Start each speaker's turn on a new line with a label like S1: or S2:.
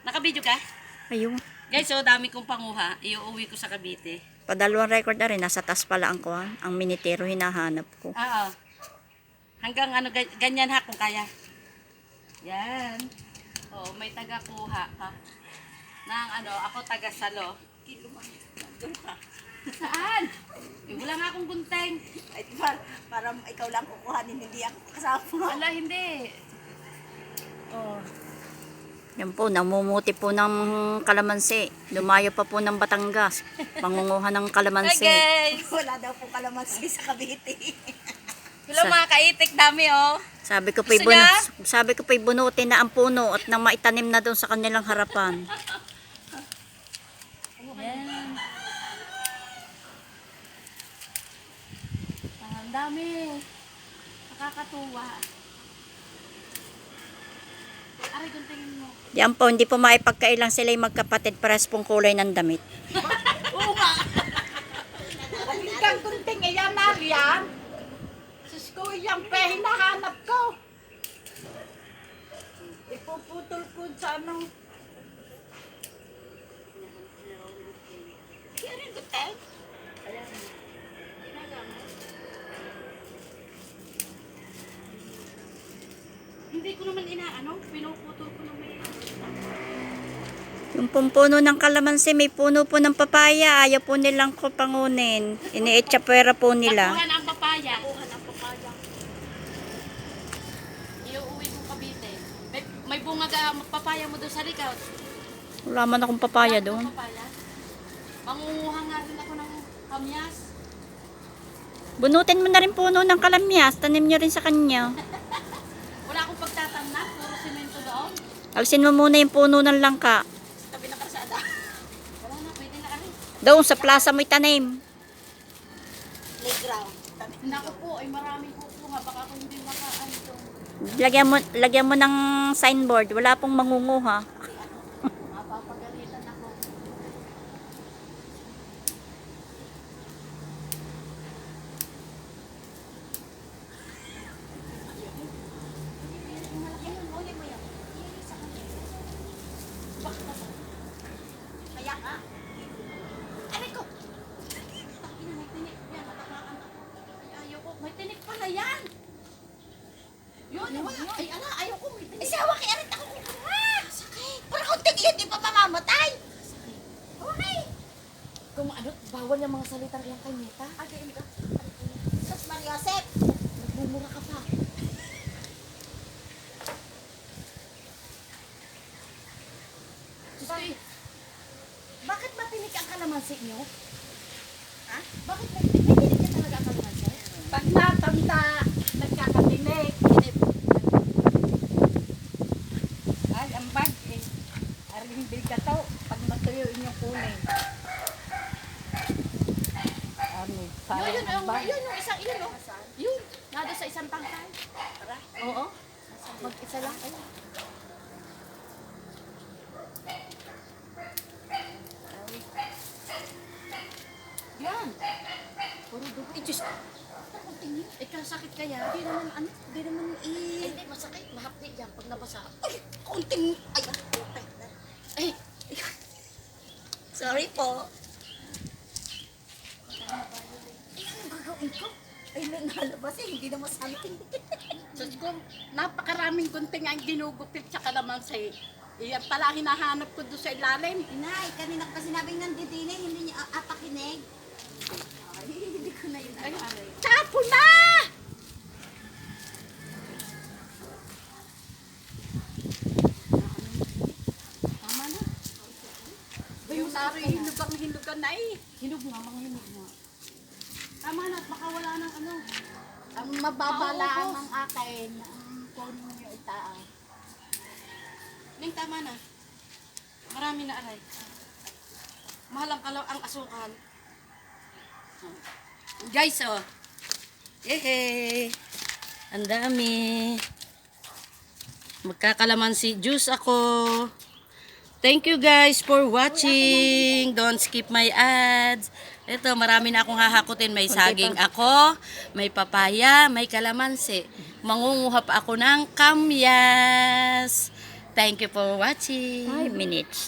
S1: Nakabidyo ka?
S2: Ayun.
S1: Guys, so dami kong panguha. Iuuwi ko sa Cavite.
S2: Padalawang record na rin. Nasa taas pala ang kuhan. Ang minitero hinahanap ko.
S1: Oo. Hanggang ano, ganyan ha kung kaya. Yan. Oh, may taga-kuha ka. Nang ano, ako taga-salo. Doon ka. Saan? Eh, wala nga akong gunteng.
S3: Ay, para ikaw lang kukuhanin, hindi ako kasama.
S1: Wala, hindi. Oh.
S2: Yan po, namumuti po ng kalamansi. Lumayo pa po ng Batangas. Pangunguha ng
S1: Hi
S2: kalamansi.
S1: guys!
S3: Wala daw po kalamansi sa Cavite.
S1: Hello mga kaitik, dami oh.
S2: Sabi ko pa'y
S1: Gusto niya?
S2: bunutin na ang puno at nang maitanim na doon sa kanilang harapan.
S1: Yan. Ang dami. Nakakatuwa. Aray, guntingin mo.
S2: Yan po, hindi po maipagkailang sila'y magkapatid pares pong kulay ng damit.
S3: Oo nga. Hanggang kunting iyan na riyan. Sus ko, yung pe, hinahanap ko. Ipuputol ko sa ano. Kaya rin guteng.
S1: Hindi ko naman inaano, pinuputol ko naman.
S2: Yung pong puno ng kalamansi, may puno po ng papaya. Ayaw po nilang ko pangunin. Iniitsapwera po nila.
S1: Nakuha na ang papaya. Iuuwi ko Cavite. May bunga ka papaya mo doon sa likod.
S2: Wala man akong papaya doon.
S1: Papaya. Mangunguha nga rin ako ng kamyas.
S2: Bunutin mo na rin puno ng kalamyas. Tanim nyo rin sa kanya.
S1: Wala akong pagtatamnan, puro semento doon.
S2: Alisin mo muna yung puno ng langka.
S3: Tabi ng kasada.
S1: Wala na, pwede na rin.
S2: Doon sa plaza mo'y tanim.
S3: Playground.
S1: Naku po, ay maraming kukuha. Baka kung hindi makaan ito.
S2: Lagyan mo ng signboard. Wala pong mangunguha.
S1: Mapapagalitan ako.
S3: Kaya ka.
S1: Aray ko! Ina, may tinik yan. Matamaan ako. Ay, ayoko. May tinik pala yan. Yun, yun. Ay, ala, ayoko. May tinik.
S3: Isawa kay arit ako kukuha. Sakit. Para kunting iyan, di pa mamamatay. Okay.
S1: Kung ano, bawal yung mga salitang iyang kay Meta.
S3: Again ka. Sus Maria Josep.
S1: Nagmumura ka pa. Ay, bakit matinik ang kalamansi niyo?
S3: Ha?
S1: Bakit may tinik ka talaga ang kalamansi?
S3: Pag natanda, nagkakatinig. Ay, ang bag eh. Aring biga to. Pag matuyo inyong kunin. Ano, sayang
S1: Yun,
S3: ang bag.
S1: yun, yung isang, yun, oh. Yun, nado sa isang tangkay. Oo. Mag-isa lang. Ayun. Yan. Puro dugo. Eh, Diyos ko. Sakit kaya?
S3: Hindi naman, ano, hindi naman
S1: Hindi, masakit. Mahapdi yan pag nabasa.
S3: Ay, konting, ay,
S1: Eh,
S3: sorry po. Ay, ano gagawin ko? Ay, nalabas eh, hindi naman something.
S4: Diyos ko, napakaraming gunting ang ginugupit sa kalamansi. Iyan pala ang hinahanap ko doon sa ilalim.
S3: Inay, kanina pa sinabing nandidine, hindi niya apakinig. Ay, hindi ko na yun. Ay,
S4: Tapo na!
S1: tama na.
S4: Yung nari, hinugang na eh.
S1: Hinog nga, mga hinog nga. Tama na, baka wala ng ano.
S4: Ang mababala
S1: Paubos.
S4: ng akin, ang kunin niyo itaas.
S1: Ning, tama na. Marami na aray. Mahal ang asukal. Guys, oh. Yehey! Ang dami. Magkakalamansi juice ako. Thank you guys for watching. Don't skip my ads. Ito, marami na akong hahakutin. May saging ako, may papaya, may kalamansi. Mangunguha pa ako ng kamyas. Thank you for watching.
S2: 5 minutes.